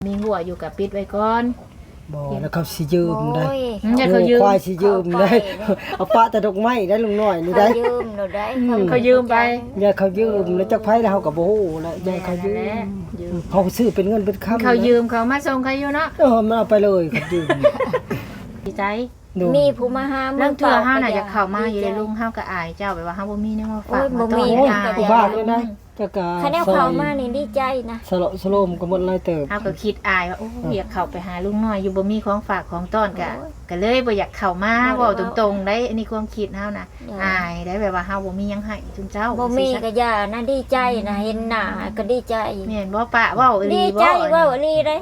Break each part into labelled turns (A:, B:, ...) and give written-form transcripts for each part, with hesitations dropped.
A: มีหัวอยู่กับปิดไว้ก่อน
B: บ่แล้วเขาสิยืมได้
A: อย่าเขายืม
B: ควายสิยืมได้เอาปะแต่ดอกไม้ได้ลุงน้อยนี่ได้
C: เขายืมหนูได้
A: เขายืมไป
B: อย่าเขายืมแล้วจักไผแล้วเฮาก็บ่ฮู้แล้วอย่าเขายืมเขาซื้อเป็นเงินเป็นคำ
A: เขายืมเขามาส่งเขาอยู่เนาะ
B: มันเอาไปเลยเขายืม
A: ดีใจ
C: มีผู้มาหา
A: เรื่องเถื่อเฮาน่ะอยากเข้ามาอยู่ในลุงเฮาก็อายเจ้าแบบว่าเฮาบ่มีแนวมาฝากมาต้อน
B: กูบ้าเลยนะจักกะ
C: คะแนนเขามานี่ดีใจนะ
B: สละสโลมก็หมดหลายเติบ
A: เฮาก็คิดอายว่าโอ้อยากเข้าไปหาลุงน้อยอยู่บ่มีของฝากของต้อนก็เลยบ่อยากเข้ามาเว้าตรงๆได้อันนี้ความคิดเฮานะอายได้แบบว่าเฮาบ่มีหยังให้จุนเจ้า
C: บ่มีก็ย่านะดีใจนะเห็นหน้าก็ดีใจ
A: แม่นบ่ปะเว้าอีหลี
C: บ่ดีใจเว้าอีหลีเด้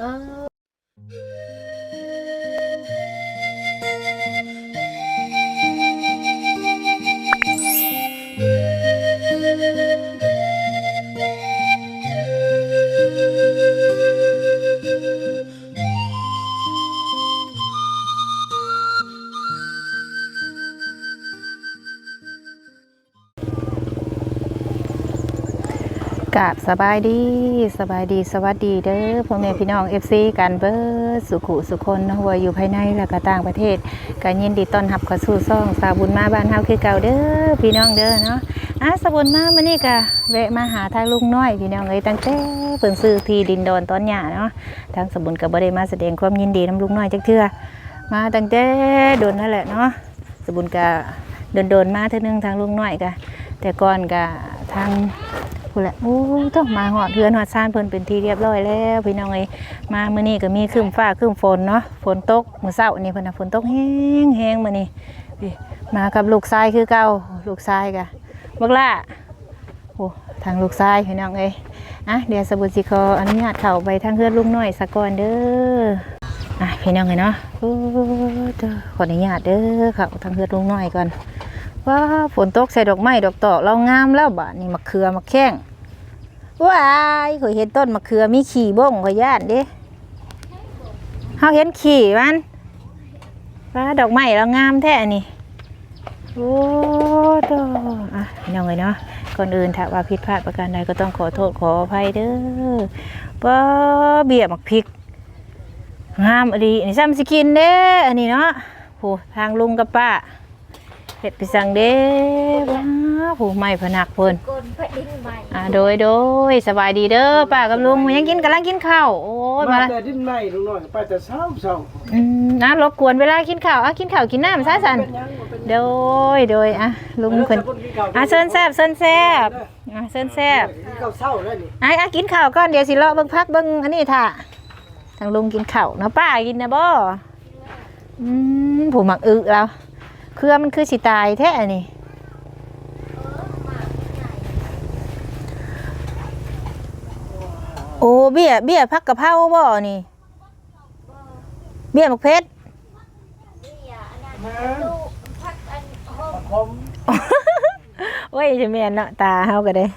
A: กราบสบายดีสวัสดีเด้อพ่อแม่พี่น้อง FC กันเบิดสุขุสุคนเนาะว่าอยู่ภายในและก็ต่างประเทศก็ยินดีต้อนรับเข้าสู่ช่องสาวบุญมาบ้านเฮาคือเก่าเด้อพี่น้องเด้อเนาะสาวบุญมามื้อนี้ก็แวะมาหาทางลุงน้อยพี่น้องเอ้ยตั้งแต่เพิ่นซื้อที่ดินดอนตอนหญ้าเนาะทางสาวบุญก็บ่ได้มาแสดงความยินดีนำลุงน้อยจักเทื่อมาตั้งแต่โดนนั่นแหละเนาะสาวบุญก็โดนมาเทื่อนึงทางลุงน้อยก็แต่ก่อนก็ทางพูดแหละโอ้ต้องมาหอดเฮือนหอดซ่านเพิ่นเป็นที่เรียบร้อยแล้วพี่น้องเอ้ยมามื้อนี้ก็มีครึ้มฟ้าครึ้มฝนเนาะฝนตกมื้อเช้านี่เพิ่นน่ะฝนตกแห้งมื้อนี้มากับลูกชายคือเก่าลูกชายก็บักล่าโอ้ทางลูกชายพี่น้องเอ้ยเดี๋ยวสบุญสิขออนุญาตเข้าไปทางเฮือนลุงน้อยซะก่อนเด้อพี่น้องเอ้ยเนาะโอ้ขออนุญาตเด้อเข้าทางเฮือนลุงน้อยก่อนว้าฝนตกใส่ดอกไม้ดอกตอกเรางามแล้วบะนี่มะเขือมะแข้งว้ายเคยเห็นต้นมะเขือมีขี่บ้งขอย่านดิเขาเห็นขี่มันว้าดอกไม้เรางามแท้นี่โอ้โตน้องเลยเนาะก่อนอื่นถ้าว่าผิดพลาดประการใดก็ต้องขอโทษขออภัยเด้อป้าเบี้ยมักพริกงามดีนี่ซ้ำสิกินเด้ออันนี้เนาะโหทางลุงกับป้าเห็ดไปสั่งเด้ว้าผู้ไม่พนักเพิ่นโดยสบายดีเด้อป้ากับลุงยังกำลังกินข้าวโอ้ยมา
B: แต่ดิ้นไม่ลุงน้อยไปแต่เช้า
A: รบกวนเวลากินข้าวกินข้าวกินน้ำซะสันโดยลุงเพิ่นเซินแซ่บเซินแซ่บ
B: ข้าวเช้าแล้วนี่
A: กินข้าวก่อนเดี๋ยวสิเลาะเบิ่งพักเบิ่งอันนี้ท่าทางลุงกินข้าวนะป้ากินนะบ่ผู้หมักแล้วเครือมันคือสิตายแท้นี่โอ้เบี้ยผักกะเพราบ่นี่เบี้ยมะเพชรโอ้ยจะแม่นเนาะตาเฮาก็ได้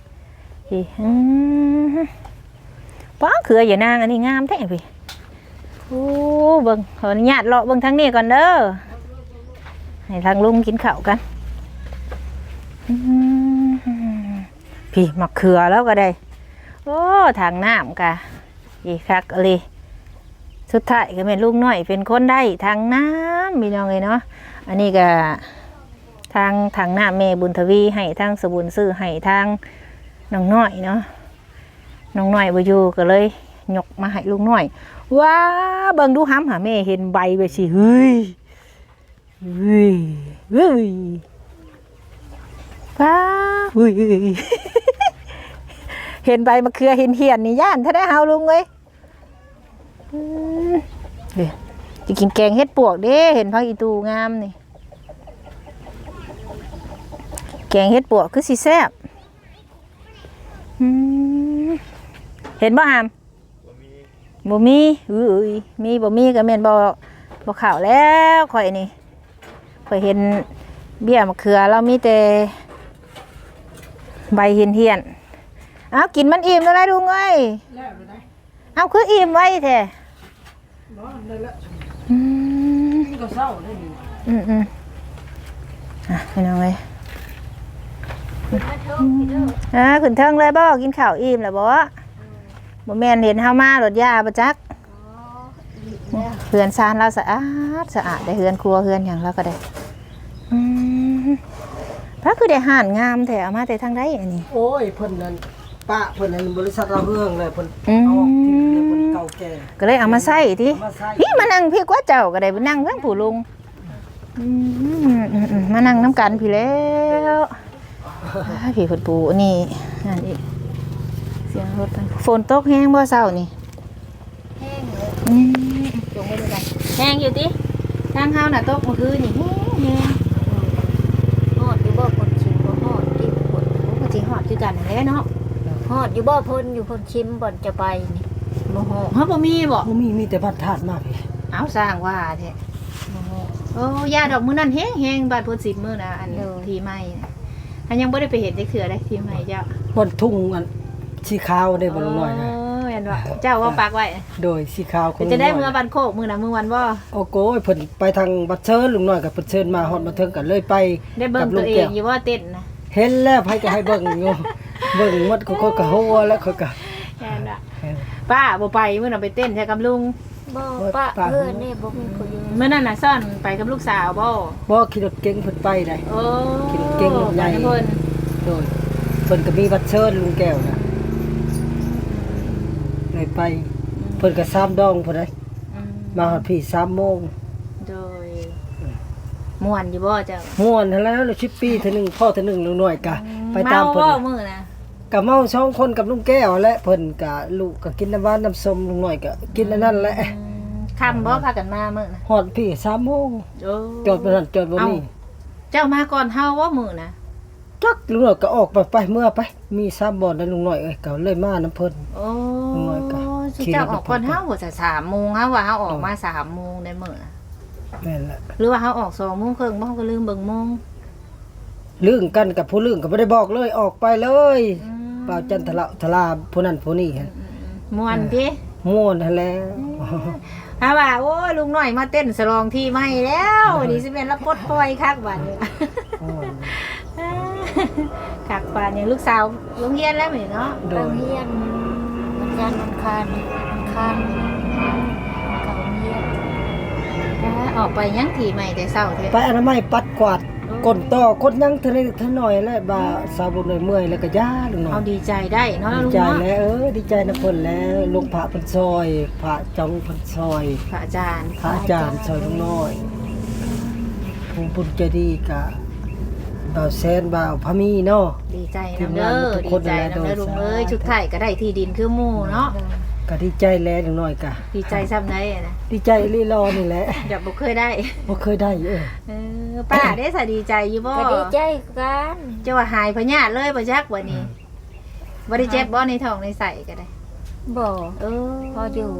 A: ป้าเครืออย่านางอันนี้งามแท้พี่โอ้เบิ่งขออนุญาตเลาะเบิ่งทางนี้ก่อนเด้อให้ทางลุงกินข้าวกันพี่มะเขือแล้วก็ได้โอ้ทางน้ำกะอีคักเลยสุดท้ายก็เป็นลุงน้อยเป็นคนได้ทางน้ำมีน้องเลยเนาะอันนี้ก็ทางน้ำเมบุญทวีให้ทางสบุญซื้อให้ทางน้องน้อยเนาะน้องน้อยบ่อยู่ก็เลยยกมาให้ลุงน้อยว้าเบิ่งดูห้ำหาแม่เห็นใบไปสิเฮ้ยป้าเห็นใบมะเขือเห็นเหียนนี่ย่านถ้าได้เฮาลุงเลยจะกินแกงเฮ็ดปวกเด้เห็นพักอีตูงามนี่แกงเฮ็ดปวกคือสิแซ่บเห็นบ่หามบ่มีมีบ่มีก็แม่นบ่ข่าวแล้วข่อยนี่ข่อยเห็นเบี้ยมะเขือเรามีแต่ใบเหียนกินมันอิ่มแล้วได้ลุงเอ้ยเอาคืออิ่มไว้แท้
B: ก็เช้าเลย
A: พี่น้องเอ้ยขึ้นเทิงเลยบ่กินข้าวอิ่มแล้วบ่บ่แม่นเห็นเฮามารถยาบ่จักเฮือนซานเราสะอาดสะอาดได้เฮือนครัวเฮือนหยังเราก็ได้พระคือได้ห่านงามแท้เอามาแต่ทางใดอันนี้
B: โอ้ยเพิ่นนั่นป้าเพิ่นนั่นบริษัทเราเฮืองเลยเพิ่นเอาออกทิ้งเลยเพิ่นเก่าแก่
A: ก็เลยเอามาใส่ติ
B: เอามาใส่
A: พี่มานั่งพี่กว่าเจ้าก็ได้ไปนั่งเพิ่งผู้ลุงมานั่งน้ำกันพี่แล้วพี่คนปูนี่นั่นอีกเสียงรถฝนตกแห้งบ่เช้านี่
C: แห้งเลย
A: จงไปดูกันแห้งอยู่ติทางเฮาน่ะตกเมื่อคืนนี่แห้ง
C: ฮอดอยู่บ่คนชิมบ่ฮอดที่คน
A: โอ้ก็สิฮอดคือกันนั่นแหละเนาะ
C: ฮอดอยู่บ่เพิ่นอยู่คนชิมบ่อนจะไปนี่บ่ฮอด
A: เฮาบ่มีบ่
B: บ่มีแต่บัตรธาตุมาพี่
A: เอาสร้างว่าแท้โอ้ยาดอกมื้อนั้นแห้งบาดพุ่น10มื้อนะอันที่ใหม่อันยังบ่ได้ไปเห็นได้เถื่อได้ที่ใหม่เจ้า
B: บนทุ่งอันสีขาวได้บ่ลุงน้อยนะ
A: เห็นว่าเจ้าว่าปักไว้
B: โดยสีขาวของ
A: จะได้
B: ลุง
A: เมื่
B: น้
A: อย บันโคกมื้อน่ะมื้อวันบ่
B: โอ้โกยเพิ่นไปทางบัดเชิญลุงน้อยกับเพิ่นเชิญมาฮอดมาถึงกันเลยไป
A: ได้เบิ่ง
B: กับ
A: ตั
B: ลุ
A: ว
B: ง
A: เอ
B: แก้
A: งอยู่ว่าเต้นนะ
B: เห็นแล้วไผก็ให้เบิ่งอยู่ เบิ่งหมดเขาก็หัวแล้วเขาก็
A: แค่นั้นป้าบ่ไปมื้อน่ะไปเต้นใช่กับลุง
C: บ่ปะเพื่อนนี่บ่มีคนอยู่
A: มื้อนั้นน่ะซ่อนไปกับลูกสาวบ่
B: บ่ขี่รถเก๋งเพิ่นไปได้
A: โอ้
B: เก่งๆใหญ่
A: ไปเพิ่น
B: โดยเพิ่นก็มีบัตรเชิญลุงแก้วนะเลยไปเพิ่นก็3ดองพุ่นได้
A: อืม
B: มาฮอดพี่3โมง
A: โดยม่วนอยู่บ่เจ้า
B: ม่วนหั้นแล้ว10ปีเทื่อหนึงพ่อเทื่อหนึงลุงน้อยก็ไปตาม
A: เมา
B: เพิ่
A: บ่
B: น
A: มื้อน่ะ
B: ก็เมา2คนกับลุงแก้วและเพิ่นก็ลูกก็กินน้ำหวานน้ำส้มลุงน้อยก็กินอันนั้นแหละ
A: ค่ำบ่พากันมามื้อน่ะ
B: ฮอดพี่3โมง
A: โอ้
B: จอดบ่นั่นจอดบ่นี่
A: เจ้ามาก่อนเฮาว่ามื้อน่ะ
B: จักลุงน้อยก็ออกไปเมื่อไปมี3บ่อนแล้วลุงน้อยเอ้ยก็เลยมานํเพิ่น
A: โอ้
B: น้อยก็
A: สิเจ้าออกก่อนเฮาบ่จะ3โมงเฮาว่าเฮาออกมา3โมงได้มื้อน่ะ
B: แม่นละ
A: หรือว่าเฮาออก2โมงครึ่งบ่เฮาก็ลืมเบิ่งโมง
B: ลื่นกันกับผู้ลื่นก็บ่ได้บอกเลยออกไปเลยเปล่าจันทละทลาผู้นั้นผู้นี้หั่น
A: ม่วนพี่
B: ม่วนหั่นแหล้ว
A: ถ้าว่าโอ้ยลุงน้อยมาเต้นสลองที่ใหม่แล้วนี่สิแม่นละปลดปล่อยคักบัดนี้ คักปานอย่างลูกสาวโรงเรียนแล้วแม่เนาะ
B: โด
C: โรง
B: ย
C: เรียนวันจันทร์วันอังคารเขาเรียน
A: ออกไปยังที่ใหม่แต่เช้าแท้
B: ไปอนามัยปัดกวาดกนต่อกดยังเท่านิดเท่าน้อยแล้วบาสาวบุญเมื่อยแล้วก็ย่าลุงน้อ
A: เอา
B: ย
A: ดีใจได้เนาะ
B: ดี
A: ลุง
B: ใจ
A: เนาะ
B: แล้วดีใจนะเพิ่นแล้วลุงพระเพิ่นซอยพระจองเพิ่นซอย
A: พระอาจารย์
B: พระอาจารย์ซอยลุงน้อยผู้บุญใจดีกะบ่าวแซนบ่าวพะมีเนาะ
A: ดีใจ
B: ทีม
A: นำ
B: งา
A: เด้
B: น
A: อ
B: ทุก
A: ดี
B: คน
A: ใจ
B: นั่นแหละ
A: นำเด้อลุง
B: โดย
A: เอ้ยชุดไทยก็ได้ที่ดินคือหมู่เนาะ
B: ก็ดีใจแล้วลุงน้อยกะ
A: ดีใจซ้ำได้นะ
B: ดีใจลีรอนี่แหละ
A: แบบบ่เคยได้
B: บ่เคยได้
A: ป้าได้สะดีใจอยู่บ่
C: ก็ดีใจกัน
A: จะว่าหายพญาธิเลยบ่จักวันนี้บ่ได้เจ็บบ่ในท้องในไส้ก็ได้
C: บ่
A: เออ
C: พออยู่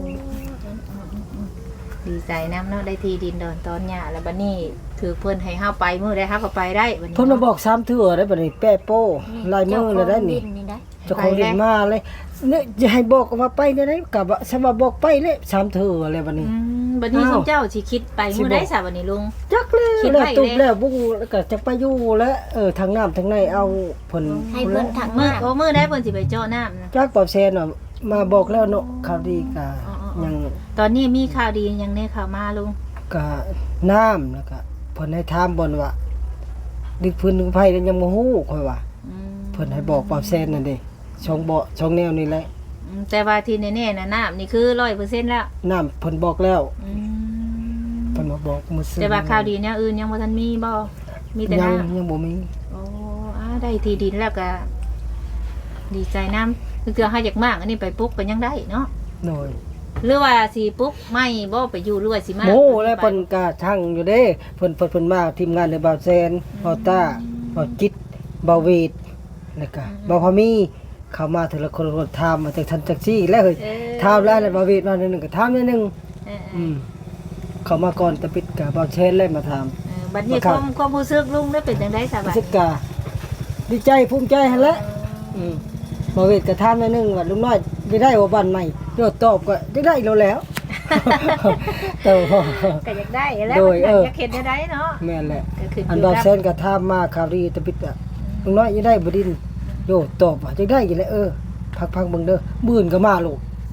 A: ดีใจนำเนาะได้ที่ดินดอนตอนหญ้าแล้วบัดนี้ถือเพิ่นให้เฮาไปมื้อใดเฮาก็ไปได้บัดนี้
B: เพิ่นมาบอก3เทื่อได้บัดนี้แป้โป้ลายมือแล้วได้นี่
C: เจ้าของดิได้
B: เจ้าของดินมาเลยเนี่ยจะให้บอกว่าไปได้ก็บ่สมาบอกไปเลย3เทื่ออะไรบัดนี้
A: บัดนี้
B: อ้าว
A: ซุมเจ้าสิคิดไปมื้อใดซะบัดนี้ลุง
B: จักเลย
A: คิด
B: แล้ว
A: ไว้
B: ตุบ
A: เลย
B: แล้วบุ้งแล้วก็จักไปอยู่แล้วทางน้ำทางในเอาเพิ่น
C: ให้เพิ่นถัก
A: มื้อ
C: มา
A: โอ้มื้อใดเพิ่นสิไปเจาะน้ำนะ
B: จักปอบแซนน่ะมาบอกแล้วเนาะข่าวดีก็
A: อ๋อ
B: ยัง
A: ตอนนี้มีข่าวดียังแน่ข่าวมาลุง
B: ก็น้ำแล้วก็เพิ่นให้ถามบ่นว่าดึกพื้นดึกไผแล้วยังบ่ฮู้ค่อยว่า
A: อืม
B: เพิ่นให้บอกปอบแซนนั่นเด้ช่องบ่ช่องแนวนี่แหละ
A: แต่ว่าที่แน่ๆน่ะน้ำนี่คือ 100% แล้ว
B: น้ำเพิ่นบอกแล้ว
A: อืม
B: เพิ่นมาบอกมื้อซื่อ
A: แต่ว่าข่าวดีแนวอื่นยังบ่ทันมีบ่มีแต่
B: ยัง
A: น้ำ
B: ยังบ่มี
A: โอ้ได้ที่ดินแล้วก็ดีใจน้ำคือเฮาอยากมากอันนี้ไปปลุ๊กก็ยังได้เนาะ
B: โดย
A: หรือว่าสิปลุ๊กไม่บ่ไปอยู่หรือว่าสิมา
B: โม่แล้วเพิ่นก็ทั้งอยู่เด้เพิ่นมาทีมงานในบ่าวแซนบ่าวต้าบ่าวจิตบ่าวเวทแล้วก็บ่าวพามีเข้ามาแต่ละคนถามมาจากทันจักซี่แล้วเฮ้ยถามแล้วบ่าวเวทมาหนึงก็ถามนิดนึง
A: เออ
B: เข้ามาก่อนตะปิดก็บ่าวแซนเลยมาถาม
A: บัดนี้ความรู้สึกลุงได้เป็นจังได๋ซะบั
B: รู้
A: ด
B: สึกก็ดีใจภูมิใจหั่นแหละบ่าวเวทก็ถามนิดนึงว่าลุงน้อยได้ได้บ่บ้านใหม่โดดตอบก็ได้แล้ว แต่ว่า
A: ก็อยากได้แล้ว
B: โดย
A: มันอยากเห็นได้เนาะ
B: แม่นแหละ
A: ก็คือ
B: อันบางเซนก็ถามมาข่าวดีตะปิดอ่ะลุงน้อยยังได้บ่ดินโยตอบว่าจะได้อยู่แล้วพักๆเบิ่งเด้อมื้อนก็มาลูก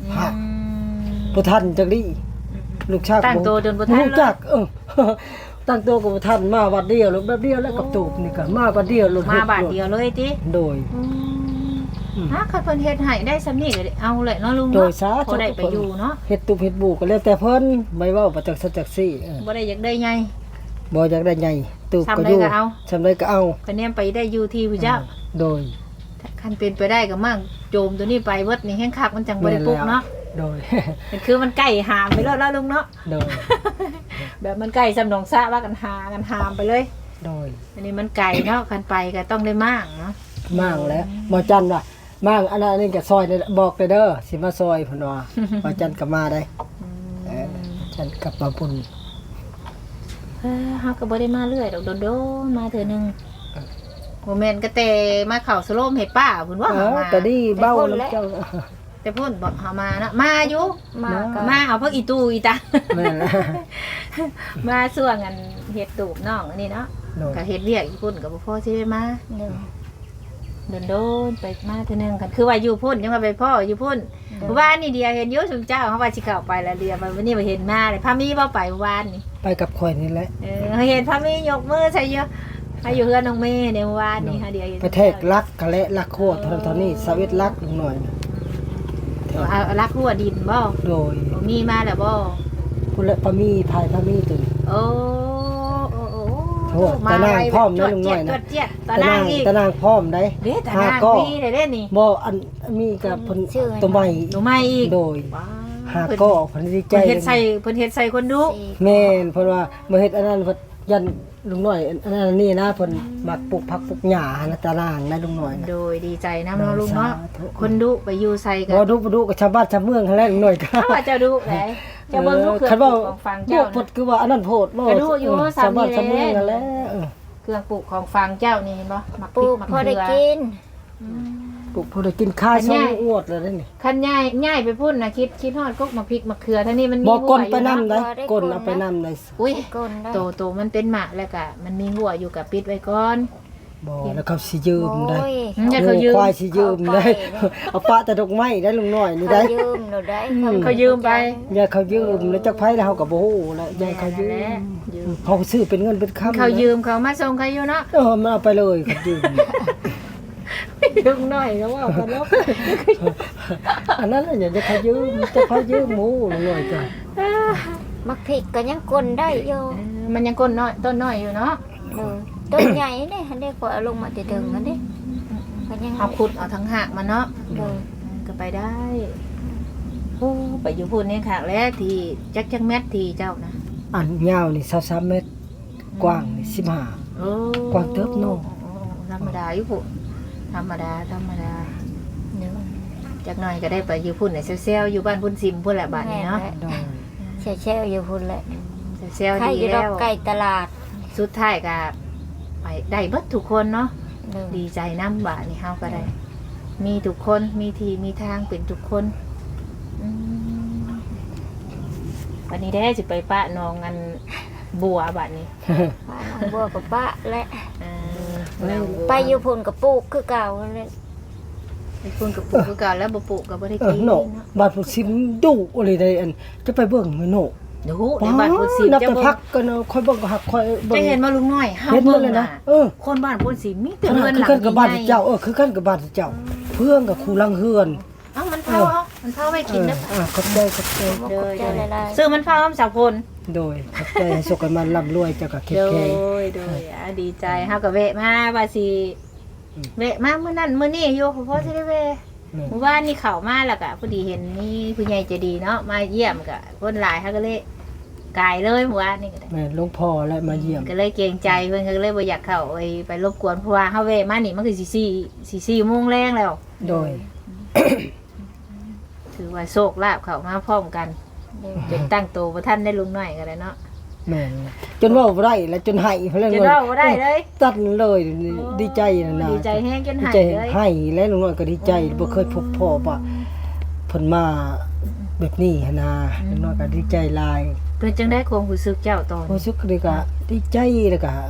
B: ฮะบ่ทันจักดิลูกชาย
A: ตั้งตัวจนบ่ทันเลย
B: รู้จักตั้งตัวก็บ่ทันมาบัดเดียวแล้วแบบเดียวแล้วกับตูบนี่ก็มาบัดเดียวรถ
A: มาบาทเดียวเลยติ
B: โดย
A: ฮะคันเพิ่นเฮ็ดให้ได้ซำนี้ก็ได้เอาเลยเนาะลุง
B: โด
A: เนาะ
B: ยสาธุ
A: พอได้ไปอยู่เนาะ
B: เฮ็ดตุบเฮ็ดบูก็แล้วแต่เพิ่นไม่เว้าประจักษ์สัจจักซี่
A: บ่ได้อยากได้ใหญ่
B: บ่อยากได้ใหญ่ตูบก็
A: ทำได้
B: อยู่
A: ก็เอา
B: ทำได้ก็เอา
A: คะแนนไปได้อยู่ที่ผู้เจ้า
B: โดย
A: คันเป็นไปได้ก็มั่งโจมตัวนี้ไปเบิดนี่แห้งคักมันจังบ่ได้ปลุกเนาะ
B: โดย
A: มันคือมันใกล้หามไปแล้วเนาะลุงเนาะ
B: โดย
A: แบบมันใกล้สำหนองซะว่ากันหากันหามไปเลย
B: โดย
A: อันนี้มันไกลเนาะคันไปก็ต้องได้มั่งเนาะ
B: มากแล้วบ่จันว่ามั่งอันนั้นนี่ก็ซอยได้บอกได้เด้อสิมาซอยเพิ่นว่าบ่จันก็มาได้จันกลับมาพุ่น
A: เฮาก็บ่ได้มาเรื่อยดอกโดนๆมาเทื่อนึงบ่แม่นก็แต่มาเข้าสโลมให้ป้าเพิ่นว่ามา
B: ก็ดีเบ้าน้ำเจ้า
A: แต่พุ่นบ่เฮามานะมาอยู่
C: มาก็
A: มาเอาพวกอีตู้อีตา
B: แม่นแล้ว
A: มาส่วงอันเฮ็ดตูบน้องอันนี้เนาะ
B: โดย
A: ก็เฮ็ดเวียกอีพุ่นก็บ่พอสิได้มา
C: เดิน
A: โดนๆไปมาเทื่อนึงกันคือว่าอยู่พุ่นยังว่าไปพ่ออยู่พุ่นเมื่อวานนี่เดียวเห็นอยู่ซุมเจ้าเฮาว่าสิเข้าไปแล้วเดียววันนี้บ่เห็นมาเลยพามีบ่ไปเมื่อวานนี่
B: ไปกับข่อยนี่แหละ
A: เห็นพามียกมือใส่เยอะให้อยู่เฮือนน้องเมย์ในเมื่อวานนี่ค่ะเดียวเห็น
B: ไปแทกลักกะและลักโคตรเท่านี้สวิตลักลงหน่อย
A: เอารักหัวดินบ่
B: โดย
A: บ่มีมาแล้วบ่
B: พุ่นละพามีภายพามีตัวนี้
A: โอ้โอ้
B: โอ้ตะนางพร้อมนะลุงน้อยนะ
A: เจี๊ยดตะนางอีก
B: ตะนางพร้อมได้
A: เด้ตะนาง
B: ก็
A: มีได้เด้นี่
B: บ่อันมีกับเพิ่นตัวใหม่
A: หนูไม่อีก
B: โดย
A: ว้า
B: หาก็เพิ่นดีใจ
A: เพิ่นเฮ็ดใส่เพิ่นเฮ็ดใส่คนดู
B: แม่นเพิ่นว่าบ่เฮ็ดอันนั้นเพิ่นยันลุงน้อยอันนั้นนี่นะเพิ่นมักปลูกผักปลูกหญ้านะตะนางนะลุงน้อยนะ
A: โดยดีใจนะเนาะลุงเนาะ
B: สาธุ
A: คนดุไปอยู่ใส่กัน
B: บ่ดูกับชาวบ้านชาวเมืองหั่นแหละลุงน้อยก็
A: ถ้าว่าเจ้าดุไหนเจ้าเบิ่งลูกเครื่อง
B: คัน
A: ปลู
B: ว่าก
A: ของฟัง
B: โพ
A: เจ้า
B: ดคือว่าอันนั้นโพดบ่
A: ก็ดูอยู่
B: ชาวบ้าน
A: สามี
B: ชาวเมืองนั่นแหละ
A: เครื่องปลูกของฟังเจ้านี่เห็นบ่มัก
C: ปลูก
A: มั
C: พอได้
A: เขื
C: กิน
B: ปลูกพอได้กินข้าวช่องอวดเลยนี่
A: คันง่ายไปพุ่นนะคิดฮอดกกมักพริกมักเขือท่านี้มันมี
B: บ่ก้น
A: หัว
B: ไป
A: อยู่
B: นำ
A: เนาะ
B: ได้ก้นเอาไปนำได้
A: อุ้ย
C: ก้นได้
A: โตมันเป็นหมากแล้วก็มันมีหัวอยู่กับปิดไว้ก่อน
B: บ่แล้วเขาสิยืมได้
C: โอ้ย
A: อย่าเขายืม
B: ควายสิยืมได้เอาปะแต่ดอกไม้ได้ลุงน้อยนี่
C: เขา
B: ได้
C: ยืมเราได้
A: เขายืมไป
B: อย่าเขายืมแล้วจักไผแล้วเฮาก็บ่ฮู้แล้วอย่าเขายื
A: แหละ
B: ม
A: ยืม
B: เขาซื้อเป็นเงินเป็นคำ
A: เขายืมเขามาส่งเขาอยู่เนาะ
B: มันเอาไปเลยเขายืม
A: ลุงน้อยก็ว่ากันแล้ว
B: อันนั้นน่ะอย่าเขายืมจะเขายืมหมูลุงน้อยจ้ะ
C: มักพริกก็ยังกลนได้อยู่
A: มันยังก้นน้อยต้นน้อยอยู่เนาะ
C: ต้นใหญ่เนี่ยอันนี้ก็เอาลงมาจะถึงอันนี้ก็ยัง
A: เอาขุดเอาทั้งหากมาเนาะ
C: เดิน
A: ก็ไปได้โอ้ไปอยู่พุ่นนี่ค่ะแล้วที่จักแมทที่เจ้านะ
B: อันยาวนี่23เมตรกว้างนี่15
A: โอ้
B: กวางเติบโน่
A: ธรรมดาอยู่พุ่นธรรมดา
C: เดิน
A: จากหน่อยก็ได้ไปอยู่พุ่นในเซลอยู่บ้านพุ่นซิมพุ่นแหละบ้านนี้เนาะ
B: ดอย
C: แช่ๆอยู่พุ่นแหละ
A: เซล
C: ใคร
A: ดี
C: อยู่ดอ
A: แล้
C: ก
A: ว
C: ไก่ตลาด
A: สุดท้ายก็ไปได้เบิดทุกคนเนาะ
C: เดิน
A: ดีใจน้ำบ้านนี่เฮาก็ได้ มีทุกคนมีทีมีทางเป็นทุกคนอืมวันนี้ได้สิไปปะน้องอันบัวบ้านนี้
C: ป้าน้องบัวกับป้าและ
A: น้องบัว
C: ไปอยู่พุ่นกับปลูกคือเก่าเลย
A: ไปพุ่นกับปลูกคือเก่าแล้วบ่ปลูกก็บ่ได้กิน
B: โน
A: เนาะ
B: บาดผู้ซิมดุอะไรได้อันจะไปเบิ่งมื้อโน
A: เดี๋ยวในบ้านพุ่นซิม
B: นับ
A: จะ
B: แต่
A: บ่
B: พักกันเนาะค่อยเบิ่งก็หักค่อยเบิ่ง
A: จะเห็นมาลุงน้อยเฮา
B: เห็นหม
A: เบิ่
B: ด
A: ง
B: เลยนะ
A: น่ะ คนบ้านพุ่นซิมมีแต่
B: ขนา
A: เรื
B: ด
A: อน
B: คือ
A: หลัง
B: กันกับบ้าน
A: ใหญ่
B: เจ้าคือกันกับบ้านเจ้า เพื่อนกับครูลังเฮือน
A: เอ้ามันเผามันเผาไว้กินเด้อ
B: ขอบใจขอบใจ
C: บ่เข้าใจหลาย
A: ซื้อมันเผาอ้ำสาวพล
B: โดยขอบใจให้สุขกันมันร่ำรวยเจ้าก็เข็
A: โด
B: แข็ง
A: ยดีใจเฮาก็แวะมาว่าสิแวะมามื้อนั้นมื้อนี้อยู่เพราะสิได้แวะเมื่อวานนี่เข้ามาแล้วก็พอดีเห็นมีผู้ใหญ่ใจดีเนาะมาเยี่ยมก็คนหลายเฮาก็เลยกายเลยเมื่อวานนี่ก็ได้
B: แม่หลวงพ่อและมาเยี่ยม
A: ก็เลยเกรงใจเพิ่นก็เลยบ่อยากเข้าไปรบกวนเพราะว่าเฮาแวะมานี่มันคือ4 4โมงแรงแล้ว
B: โดย
A: ถือว่าโชคลาภเข้ามาพร้อมกัน
C: ๆเดิน
A: จนตั้งโตบ่ทันได้ลุงน้อยก็ได้เนาะ
B: แม่นจนเว่าบ่ได้และจนให้เพิ่น
A: จะเล่าบ่ได้เลย
B: ตัดเลยดีใจนะนะ
A: ดีใจแห้งจน
B: ดี
A: หาย
B: ใจ
A: เลย
B: ให้และลุงน้อยก็ดีใจบ่เคยพบพ่อว่าเพิ่นมาแบบนี้หันนะลุงน้อยก็ดีใจหลาย
A: เป็นจังได้ความรู้สึกเจ้าตอน
B: รู้สึกเลยก็ดีใจแล้วก็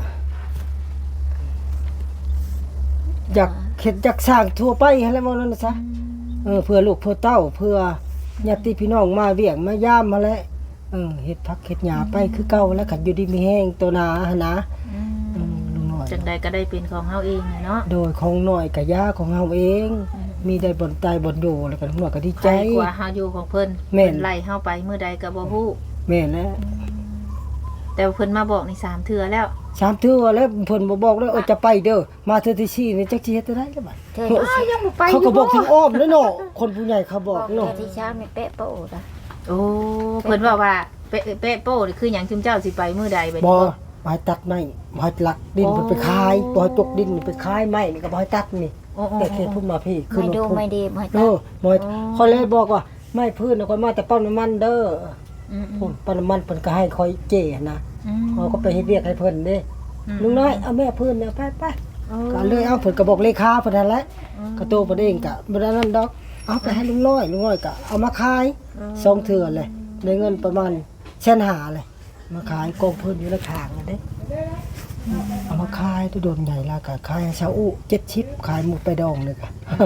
B: อยากเฮ็ดอยากสร้างทั่วไปหั่นแหละว่านั่นน่ะซะเพื่อลูกเพื่อเต้าเพื่อญาติพี่น้องมาเวียงมายามมาแล้วเฮ็ดผักเฮ็ดหญ้าไปคือเก่าแล้วคันอยู่ดีมีแห้งตัวหนาหั่นนะลุงน้อย
A: จังใดก็ได้เป็นของเฮาเองน่ะเนาะ
B: โดยของน้อยก็ยาของเฮาเอง มีได้บ่นตายบ่นอยู่แล้วก็ลุงน้อยก็ดีใจ
A: ใจกว่าเฮาอยู่ของเพิ่น
B: แม่น
A: เพิ่นไล่เฮาไปมื้อใดก็บ่ฮู้
B: แม่นแล้ว
A: แต่ว่าเพิ่นมาบอกนี่3เทื่อแล้ว
B: สามเทื่อแล้วเพิ่นบ่บอกแล้วจะไปเด้อมาเทื่อที่4นี่จักสิเฮ็ดได้แล้วบัด
C: เธอที่
A: ยังบ่ไป
B: เขาก็บอกถึงอ้อมแล้วเนาะคนผู้ใหญ่เขาบอก
C: เธ
B: เนาะ
C: อที่เช้าไม่เป๊ะโป้ละ
A: โอ้เพิ่นว่าเป๊ะโป้นี่คือหยังจุมเจ้าสิไปมื้อใดบัด
B: บ่
A: นี้
B: บ่ให้ตัดไม้บ่ให้ลักดินไปขายบ่ให้จกดินไปขายไม้นี่ก็บ่ให้ตัดนี่
A: โอ้
B: แต่เขตพุ่นมาพี่
C: ไม่ดู
B: พุ่น
C: ไม่ดีไม่
B: เอ
C: ตัด
B: อบ่ให้เขาเลยบอกว่าไม้พื้นน่ะค่อยมาแต่ปั๊มน้ำมันเด้อ
A: อืม
B: พุ่นปั๊มน้ำมันเพิ่นก็ให้คอยเจ้นะ
A: ๆ
B: เขาก็ไปเฮ็ดเวียกให้เพิ่นเด้ลุงน้อยเอาแม่พื้นเนี่ยไปๆก็เลยเอาเพิ่นก็บอกเลขาเพิ่นนั่นแหละก็โตเพิ่นเองก็บ่ได้นั่นดอกเอาไปให้ลุงน้อยก็เอามาขายสองเทื่อเลยได้เงินประมาณ1.5เลยมาขายกองเพิ่นอยู่ในข้างนั่นเด้เอามาขายตัวโดนใหญ่ละก็ขายให้ชาวอุ70ขายหมูไปดองเลยก็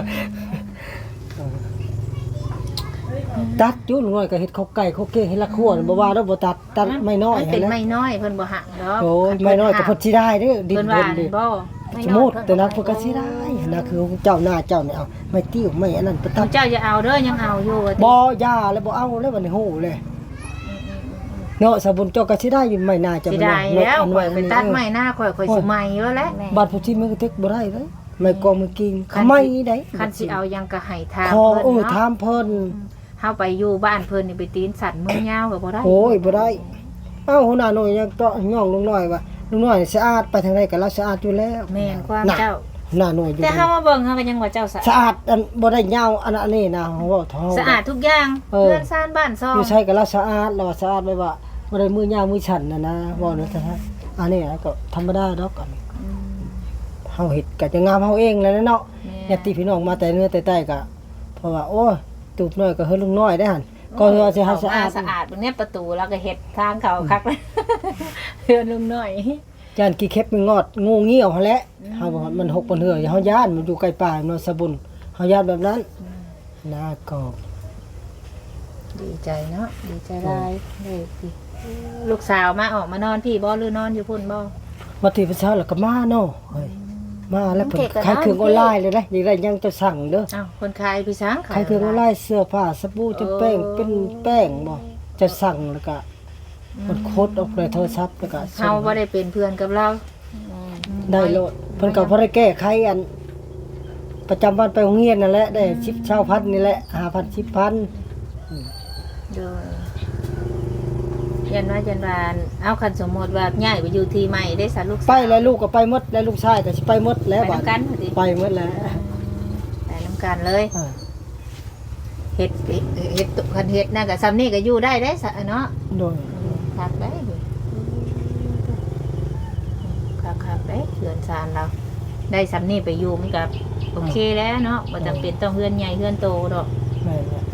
B: ตัดอยู่ลุงน้อยก็เฮ็ดข้าวไก่ข้าวเก้งให้ละครัวบ่ว่าดอกบ่ตัดไม่น้อย
A: มันเป็น
B: หั่นแหละ
A: ไม่น้อยเพิ่นบ่หักดอก
B: โอ้ยไม่น้อยก็เพิ่นสิได้เด้อดิน
A: เพิ่น
B: เพิ่
A: ว่าน
B: ดิ
A: บ่
B: สมมุติแต่นั้นเพิ่นก็สิได้นะคือเจ้าหน้าเจ้านี่เอาไม่ติ้วไม่อันนั้นไปตัด
A: เจ้าอย่าเอาเด้อยังเอาอยู่ว่าติ
B: บ่ย่าแล้วบ่เอาแล้วบัดนี้โหเลยเนาะสบุญเจ้าก็สิได้อยู่ไม่น่าจะ
A: สิได้แล้วข่อยไปตัดไม้
B: น
A: หน้าข่อยสิใหม่แล้วแหละ
B: บัดผู้ที่มันก็เทคบ่ได้เลยไม่กองมือกินเขาไม่ได้
A: คันสิเอายังก็ให้ทาม
B: ขอ
A: เพิ่น
B: ถา
A: เนาะ
B: มเพิ่น
A: เฮาไปอยู่บ้านเพิ่นนี่ไปตีนสัตว์มือยาวก็บ่ได้
B: โอ้ยบ่ได้เอ้าหัวหน้าหน่อยยังเตาะย่องลุงน้อยว่าลุงน้อยสะอาดไปทางใดก็เราสะอาดอยู่แล้ว
A: แม่นความ
B: น่ะ
A: เจ้า
B: หน้าหน่อยอยู่
A: แต่เฮามาเบิ่งเฮาก็ยังว่าเจ้าสะ
B: สะอาดอันบ่ได้ยาวอันนี้นะเฮาเว้าท้อง
A: สะอาดทุกอย่าง
B: เออ
A: เรือนซ่านบ้านซอง
B: อยู่ใช้กับเราสะอาดเราสะอาดไว้ว่าบ่ได้มือยาวมือฉันนะว่าเนาะซะฮะอันนี้ก็ธรรมดาดอกอันเฮาเฮ็ดก็จะงามเฮาเองแหล้วเนาะญาติพี่น้องมาแต่เนื้อแต่ใต้ก็เพราะว่าโอ้ยตูบน้อยก็เฮ็ดลุงน้อยได้หั่นก็เฮาสิให้สะอาด
A: สะอาดตรงเนี้ยประตูแล้วก็เฮ็ดทางเข้าคักเลยเฮือนลุงน้อย
B: จานกี่เข็บมันงอดงูเงี้ยวหั่นแหละเฮาว่ามันหกบนเหือเฮาย่านมันอยู่ใกล้ป่าเนาะสะบุญเฮาย่านแบบนั้นนะก็
A: ดีใจเนาะดีใจหลายเลยสิลูกสาวมาออกมานอนพี่บ่หรือนอนอยู่พุ่นบ่
B: มาที่ประชาแล้วก็มาเนาะเฮ้ยมาแล้วเพิ่นขายเครื่องออนไลน์เลยนะอยากได้ยังจะสั่งเด้อ
A: อ้าวคนขายพี่ช้าง
B: ขายเครื่องออนไลน์เสื้อผ้าสบู่จะแป้งเป็นแป้งบ่จะสั่งแล้วก็มันโคดออกในโทรศัพท์แล้วก็ส่
A: เฮาง บ่ได้เป็นเพื่อนกับเรา
B: ได้โลดเพิ่นก็บ่ได้แก้ไขอัน ประจำวันไปโรงเรียนนั่นแหละได้10 20,000นี่แหละ 5,000 10,000
A: โดยยันว่าเอาคันสมมุติว่าย้ายไปอยู่ที่ใหม่ได้สาลูกสาว
B: ไปแล้วลูกก็ไปหมดแล้วลูกชายก็สิไปหมดแล้ว
A: ไป
B: บัด
A: นำกันพอดี
B: ไปหมดแล้ว
A: ไปนำกันเลย
B: อ่า
A: เฮ็ดคันเฮ็ดน่ะก็ซ้ำนี่ก็อยู่ได้เด้ซะเนาะ
B: โดย
A: คักได้ดิคักได้เฮือนซานเราได้ซ้ำนี่ไปอยู่มันก็โอเคแล้วเนาะบ่จำเป็นต้องเฮือนใหญ่เฮือนโตดอก
B: แม่นแล้ว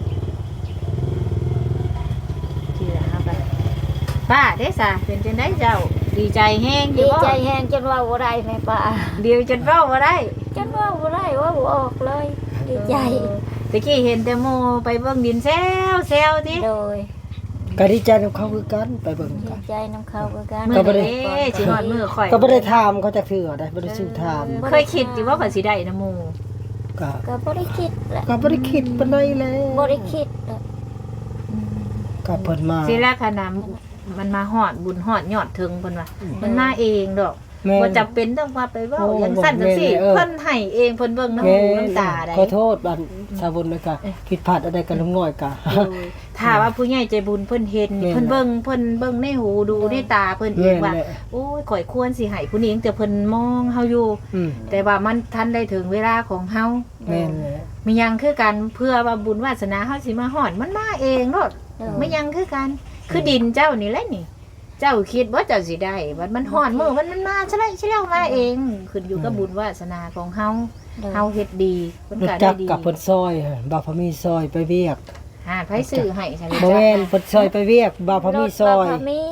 A: ที่ละครับป้าเด้ซะเป็นจังได๋เจ้า ดีใจแฮงอ
C: ดี
A: ยู่บ่
C: ใจแห้งจนว่าบ่ได้แม่ป้า
A: เดียวจนเว้าบ่ได้
C: จนว่าบ่ได้ว่าบ่ออกเลย ดีใจ
A: ตะกี้เห็นแต่หมู่ไปเบิ่งดินแซวติ
C: โดย
B: ก็ดีใจกับเขาคือกันไปเบิ่ง
C: ดี
B: กัน
C: ใจน้ำเขาคือกัน
A: มื้อเด้สิฮอดมื้อข่อย
B: ก็บ่ได้ถามเขาจักเทื่อได้บ่ได้ซื้อถาม
A: เคยคิดอยู่ว่าข่อยสิได้นำหมู่
B: ก็
C: ก็บ่ได้คิดแหละ
B: ก็บ่ได้คิดปานใดแล้ว
C: บ่ได้คิดแหละ
B: ก็เพิ่นมา
A: สิแรกขนาดมันมาฮอดบุญฮอดยอดถึงเพิ่นว่ามันมาเองดอก
B: แม่น
A: บ่จำเป็นต้องว่าไปเว้า
B: โอ้
A: อย่างสั้นจังซี่
B: แม่นเลย
A: เพิ่นให้เองเพิ่นเบิ่งน้ำ
B: แม่
A: หูน้ำตาได้
B: ขอโทษบัดสาบุญเลยก็ผิดพลาดอะไรกันลุงน้อยก็
A: ถ้าว่าผู้ใหญ่ใจบุญเพิ่นเห็น
B: แม่น
A: เพิ่นเบิ่งในหูดูในตาเพิ่นเอง
B: แม่น
A: ว่า
B: แหละ
A: โอ้ยข่อยควรสิให้ผู้นี้แต่เพิ่นมองเฮาอยู่
B: อืม
A: แต่ว่ามันทันได้ถึงเวลาของเฮา
B: แม่นแหละ
A: ไม่ยังคือกันเพื่อว่าบุญวาสนาเฮาสิมาฮอดมันมาเองโลด ไม่ยังคือกัน คือดินเจ้านี่แหละนี่ เจ้าคิดว่าเจ้าสิได้บัดมันฮอดมื้อมันมาใช่แล้วมาเอง ขึ้นอยู่กับบุญวาสนาของเฮาเฮาเฮ็ดดีเพิ่น
B: รู้
A: ก็
B: จั
A: ได้
B: ก
A: ดี
B: กับเพิ่นซอยบ่าวพมีซอยไปเวียก
A: หาไผซื้อให้ใช่ไหม
B: บ่แม่นเพิ่นซอยไปเวียกบ่าวพมีซอย
C: รถบ่พมี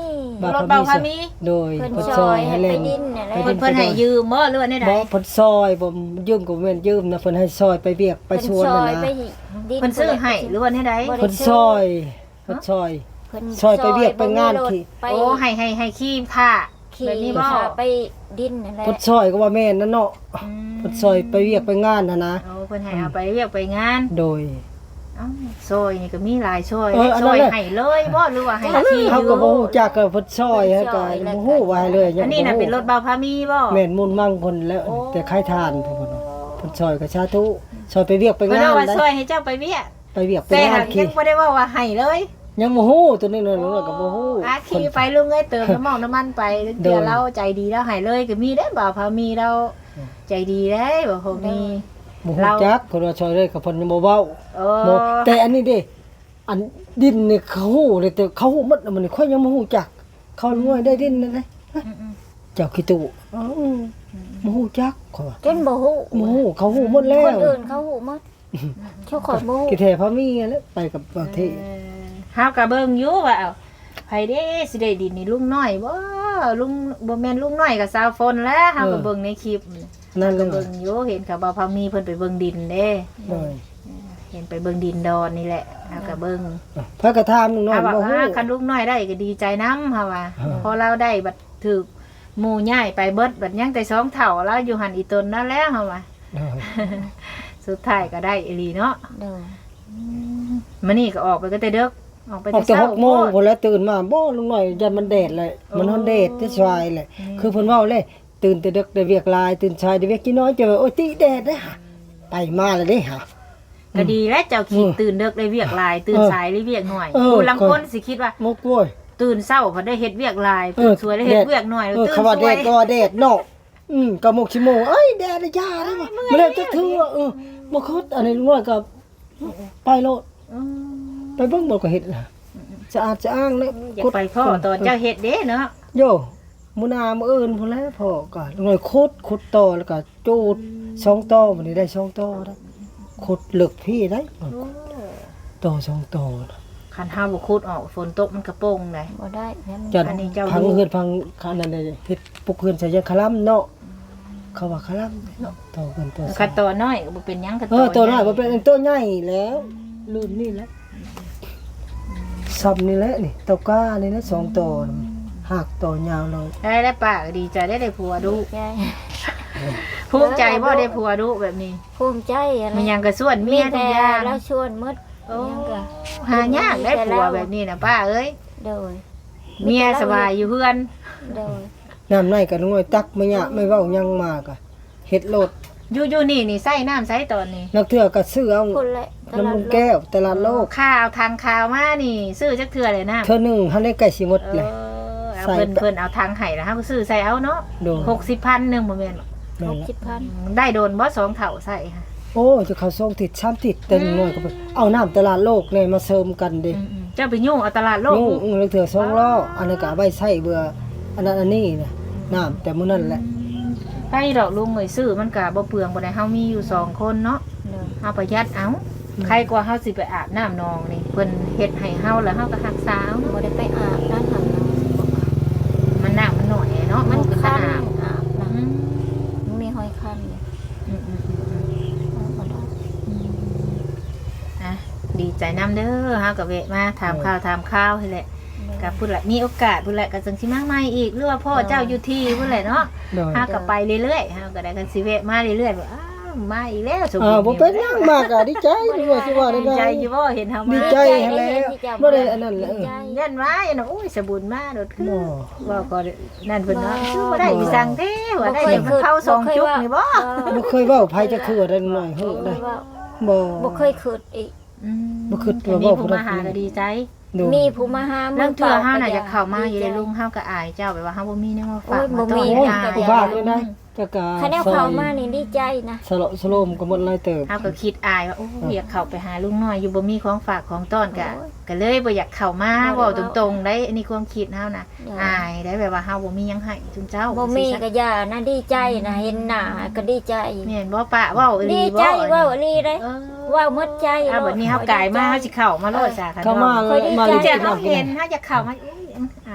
A: รถเบาพามี
B: โดย
C: เพิ่น
B: เพิ่น
C: ซ
B: ซ
C: อ
B: อย ย
C: ให้
B: ให้
C: ไป
B: เล่น
C: ดินนี่แหละ
B: ไปดิ
A: เพิ่นให้ยืมบ่หรือว่าได้ใด
B: บ่เพิ่นซอยบ่ยืมก็บ่แม่นยืมนะเพิ่นให้ซอยไปเวียกไปชวน
C: เพิ่ซอย
B: น่ะ
C: ไป
B: นะ
C: ดิน
A: เพิ่นซื้อให้หรือว่าได้ใด
C: บ่ได้
B: เพิ่นซอยเพิ่นซอย
C: เพิ่น
B: ซอยไปเวียกไปงาน
C: บ่มีรถ
B: ขี่
C: ไป
A: โอ้ให้ขี้ผ้า
C: ขี่
A: แบบนี้บ่
C: พาไปดินนั่นแหละ
B: เพิ่นซอยก็ว่าแม่นนั่นเนาะเพิ่นซอยไปเวียกไปงานน่ะนะ
A: โอ้เพิ่นให้เอาไปเรียกไปงาน
B: โดย
A: เอ้าซอยนี่ก็มีหลายซอย
B: อัน
A: ซ
B: นั้
A: อน ย
B: แหละ
A: ให้เลยบ่หรือว่าให้ขี้
B: เฮา
A: ยื
B: ก็
A: ม
B: บ่ฮู้จักก็เพิ่นซอยให้ก็บ่ฮู้ว่าให้เลยยัง
A: อันนี้น่ะเป็นรถเบาพามีบ่
B: แม่นมุนมั่งเพิ่นแล้ว
A: โอ้
B: แต่ใครทานเพิ่นว่าเพิ่นซอยก็สาธุซอยไปเวียกไป
A: เพิ่น
B: งาน
A: ว่า
B: ได้
A: ซอยให้เจ้าไปเวียก
B: ไปเวียกไป
A: แต่
B: งา
A: หาน ก
B: ขี่
A: ยังบ่ได้ว่าให้เลย
B: ยังบ่ฮู้ตัวนี้นั่นก็บ่ฮู้
A: อาขี่ไปลุงเอ้ยเติมน้ำมันน้ำมันไปเดี๋ยวเราใจดีแล้วให้เลยก็มีได้บ่าวพามีเราใจดีได้บ่พอมี
B: บ่ฮู้จักเพิ่นว่าซอยเลยก็เพิ่นยังบ่เว้า
A: โอ้
B: บ่แต่อันนี้เด้อันดินนี่เขาฮู้เลยแต่เขาฮู้หมดแล้วมันนี่ค่อยยังบ่ฮู้จัก เขารวยได้ดินนั่นแหละเจ้าขี้ตู้บ่ฮู้จักเขาว่า
C: จนบ่ฮู้
B: บ่ฮู้เขาฮู้หมดแล้
C: ค
B: วน
C: อื่นเขาฮู้หมดเขาขอยบ่ฮู้
B: กี่แท้พามีนั่นแหละไปกับประเทศ
A: เฮาก็เบิ่งอยู่ว่าเอาไผเด้สิได้ดินนี่ลุงน้อยบ่ลุงบ่แม่นลุงน้อยก็สาวฝนแล้วเฮาก็เบิ่งในคลิป
B: นั่นเล
A: ก็
B: ย
A: เบิ่งอยู่เห็นเขาบ่าวพามีเพิ่นไปเบิ่งดินเด้
B: โดย
A: เห็นไปเบิ่งดินดอนนี่แหละเฮาก็เบิ่ง
B: พระกระทามนึงน้อย
A: เฮาว่า
B: บ่ฮู้
A: คันลุงน้อยได้ก็ดีใจนำเฮาว่า
B: อ่า
A: พอเราได้บัดถูกหมู่ย้ายไปเบิดบัดยังแต่สองเฒ่าแล้วอยู่หันอีตนนั่นแล้วเฮาว่า
B: โดย
A: สุดท้ายก็ได้อีหลีเนาะ
C: เด้อ
A: มื้อนี้ก็ออกไปก็แต่เด็กออกไป
B: ออก
A: แต่
B: แต่
A: เช้า
B: 6โมงพุ่นแล้วตื่นมาบ่ลุงน้อยยันมันแดดเลยมันฮ้อนแดดที่ชายแหละคือเพิ่นเว้าเลยตื่นแต่ดึกได้เวียกหลายตื่นชายได้เวียกกี่น้อยเจอโอ้ยติแดดเด้หะไปมาแล้วเด้หะ
A: ก็ดีแล้วเจ้าคิด
B: อืม
A: ตื่นเด็กได้เวียกหลายตื่นสายได้เวียกหน่อย
B: เออ
A: ผู้ลางคนสิคิดว่า
B: มกโว้ย
A: ตื่นเช้าพอได้เฮ็ดเวียกหลายตื่นสวยได้เฮ็ดเวียกหน่อย
B: เออ
A: ตื่น
B: คำว่า
A: ส
B: แด
A: วย
B: ดก็ว่าแดดเนาะก็มกชิโมงเอ้ยแดดยาได้บ่บ่ได้จักถือว่าบ่คดอันนี้ลุงน้อยก็ไปโลด
A: อืม
B: ไปเบิ่งบ่ก็เฮ็ดน่ะสะอาดสะอ้างเลย
A: อยากไปพ่อตอนเจ้าเฮ็ดเด้เนาะ
B: โยมื้อหน้ามื้ออื่นพุ่นแหล้วพ่อก็ลุงน้อยขุดต่อแล้วก็จูด2ต่อมันนี้ได้2ต่อได้ขุดลึกพี่ได้ต่อ2ต่อ
A: คันห้าบ่ขุดออกฝนตกมันกระโปงได้
C: บ่ได้แม่น
B: จัด
A: อันนี้เจ้า
B: พัง
A: ดู
B: เฮือนพังคันนั้นได้เฮ็ดปลุกเฮือนใส่ยาคลัมเนาะเขาว่าคลัมเนาะต่อกันต่อ
A: คันตัวน้อยก็บ่เป็นหยังคัน
B: ตัวน้อยบ่เป็นตัวใหญ่แล้วรุ่นนี่แหละซับนี่แหละนี่ตะก้านี่นะ2ตัวหักตัวยาวเลย
A: ได้แล้วป้าก็ดีใจได้ผัวดุ
C: ใจ
A: ภูมิใจบ่ได้ผัวดุแบบนี้
C: ภูมิใจอะไร
A: มันยังก็ส่วนเมียทุกอย่าง
C: แล้วชวนหมด
A: โอ้
C: ยังก็
A: หายากได้ผัวแบบนี้นะป้าเอ้ย
C: โดย
A: เมียสบายอยู่เพื่อน
C: โดย
B: น้ำในก็น้อยตักไม่ยะไม่เว้ายังมากอ่ะเฮ็ดโลด
A: อยู่นี่ใส่น้ำใส่ตอนนี้
B: นักเทื่อก็ซื้อเอา
C: คนละต
B: น้ำ
C: ลา
B: มั
C: ด
B: นแก้วตลาดโลก
A: ข้าวทางข้าวมานี่ ซื้อจักเทื่อเลยนะ
B: เทื่อหนึงหันได้ใกล้สิหมด
A: เอ
B: เลย
A: อเอา
B: ใส่
A: เพิ่นเอาทางไห้แล้วเฮาก็ซื้อใส่เอาเนาะ
B: โดน
A: 60,000นึงบ่แม่นหรอก
B: นั่นแหละ
C: 60,000
A: ได้โดนบ่2เท่าใส่ค่ะ
B: โอ้จะเข้าส่งติด3ติดแต่น้อยก็ไปเอาน้ำตลาดโลกเนี่ยมาเสริมกันเด้
A: เจ้าไปยุ่งเอาตลาดโลก
B: ยุ่งแล้วเถื่อ2ล้ออันนั้นก็เอาไว้ใช้เบื่ออันนั้นอันนี้นะน้ำแต่มื้อนั้นแหละ
A: ไปดอกลุงเอ้ยซื้อมันก็บ่เปลืองบ่ได้เฮามีอยู่2คนเนาะ
C: โดย
A: เฮาประหยัดเอาใครกว่าเฮาสิไปอาบน้ำนองนี่เพิ่นเฮ็ดให้เฮาแล้วเฮาก็รักษาเอา
C: บ่
A: เนาะ
C: ได้ไปอาบน้ำหัน
A: มันน้ำมันน้อยเนาะ
C: มัน
A: เป็น
C: คั
A: ตาน อาบ
C: อาบ
A: อื
C: น้ำ
A: ม
C: มันมีหอยคันอยู่
A: อืม
C: บ่ได้
A: อ่ะดีใจนํเด้อเฮาก็แวะมาถามข่าวให้แหละก็พูดละมีโอกาสพูดละก็จังสิมาใหม่อีกหรือว่าพ่อเจ้าอยู่ที่พูดแหละเนาะ
B: โดย
A: เฮาก็ไปเรื่อยๆเฮาก็ได้กันสิแวะมาเรื่อยๆว่าอ้าวมาอีกแล้วสม
B: บ่เป็นหยังมากอ่ะดีใจดีว่าสิว่าได้
A: ดี
B: ไง
A: ใจอยู่บ่เห็นเฮา
B: ดี
A: มา
B: ใจให้แล้วบ่ได้อันนั้นแหละ
C: ดีใจ
A: ยันว่าอย่างนั้นโอ้ยสบุญมาโดดคือ
B: บ่
A: ว่าก็นั่นเพิ่นเนาะคือบ่ได้อีสั่งเด้ว่าได้เดี๋ยวมันเข้าสองจุกนี่บ่
B: บ่เคยเว้าไผจะคือได้หน่อยฮู้ได้ บ่
C: บ่เคยคิดอีก
B: บ่คิดว่า
A: มี
B: เว้า
A: ผู้
B: ผู้ใด
A: มาหาก็ดีใจ
B: โดย
C: มีผู้มาหา
A: เรื่องเทื่อเฮาน่ะ
C: ป
A: จะเข้ามาอยู่ในลุงเฮาก็อายเจ้าแบบว่าเฮาบ่มีแนวมาฝาก
C: โอ้ยบ่
A: มาต้
C: มี
A: อน
B: โอ้ย
A: อาย
B: ผู้บ้านเลยนะจะกะ
C: คะแนนเข้ามานี่ดีใจนะ
B: สละสโลมก็หมดหลายเติบ
A: เฮาก็คิดอายว่าโอ้ยอยากเข้าไปหาลุงน้อยอยู่บ่มีของฝากของต้อนก็เลยบ่อยากเข้ามาเว้าตรงๆได้อันนี้ความคิดเฮาน่ะอายได้แบบว่าเฮาบ่มีหยังให้จุนเจ้า
C: บ่มีก็ย่านะดีใจนะเห็นหน้าก็ดีใจ
A: แม่นบ่ปะเว้าอีห
C: ดี
A: ลี
C: ใจ
A: บ่
C: เว้าอีหลีเด้
A: เออ
C: เว้าหมดใจ
A: อ่ะบัดนี้เฮากายมาเฮาสิเข้ามาโลดซะค่ะ
B: เข้ามา
A: เพิ่น
B: มา
A: จะ
B: เล่น
A: เฮา
B: น้ำกิ
A: เห็
B: น
A: นเฮาจะเข้ามาอุ้ยอาย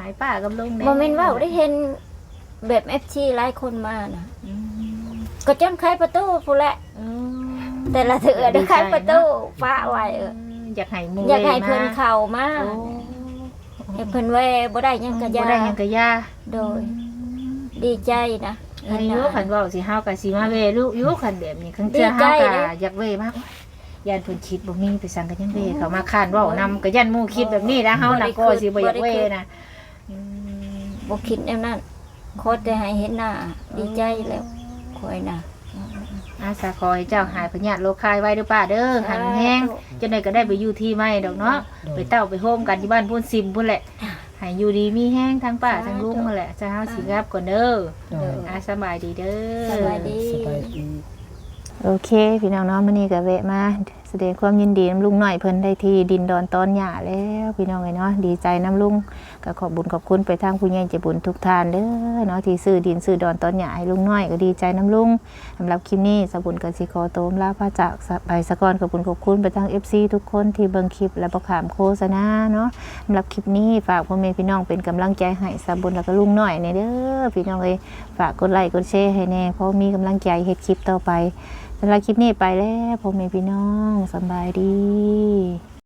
A: ให้ป้ากับลุงแน่
C: บ่แม่นว่าได้เห็นแบบ FC หลายคนมาน่ะ
A: อืม
C: ก็จนไขประตูพู้นแหละ
A: อืม
C: แต่ละเถื่อได้ไขประตูฟ้าไว้
A: อยากให้หมู่
C: อยากให้
A: มา
C: เพิ่นเข้ามา
A: โอ้
C: ให้เพิ่นแว่บ่ได้หยังก็
A: บ่
C: ยา
A: ได้หยังก็ยา
C: โดยดีใจนะ
A: อันนี้ลูกขันเว้าสิเฮาก็สิมาเวลูกอยู่ขันแบบนี้คันเทื่อ
C: ดีใจ
A: เฮาก็
C: เด้
A: อยากเวมากย่านเพิ่นคิดบ่มีไปสั่งกันยังเวเขามาค้านเว้านำก็ย่านหมู่คิดแบบนี้นะเฮาน่ะก็สิบ่อยากเวนะอืม
C: บ่คิดแนวนั้นโคตรแต่ให้เห็นหน้าดีใจแล้วคอยน่ะ
A: อาสาขอให้เจ้าหายพยาธิโรคคายไว้เด้อป้าเด้อหันแห้งจนได้ก็ได้ไปอยู่ที่ใหม่ดอกเนาะไปเต้าไปโฮมกันที่บ้านพุ่นซิมพุ่นแหละให้อยู่ดีมีแห้งทั้งป้าทั้งลุงนั่นแหละจะเฮาสิรับก่อนเด้อ
B: โดย
A: สบายดีเด้อ
C: สบายดี
B: สบายดี
A: โอเคพี่น้องเนาะมื้อนี้ก็แวะมาแสดงความยินดีนํลุงหน่อยเพิ่นได้ที่ดินดอนตอนหญ้าแล้วพี่น้องเอ้ยเนาะดีใจนํลุงก็ขอบบุญขอบคุณไปทางผู้ใหญ่ใจบุญทุกท่านเด้อเนาะที่ซื้อดินซื้อดอนตอนหญ้าให้ลุงน้อยก็ดีใจนํลุงสำหรับคลิปนี้สบุญก็สิขอโตมลาพระจากไปสะก่อนขอบคุณขอบคุณไปทาง FC ทุกคนที่เบิ่งคลิปและบ่ขามโฆษณาเนาะสำหรับคลิปนี้ฝากพ่อแม่พี่น้องเป็นกำลังใจให้สบุญแล้วก็ลุงน้อยนี่เด้อพี่น้องเอ้ยฝากกดไลค์กดแชร์ให้แน่เพราะมีกำลังใจเฮ็ดคลิปต่อไปสำหรับคลิปนี้ไปแล้วพ่อแม่พี่น้องสำบายดี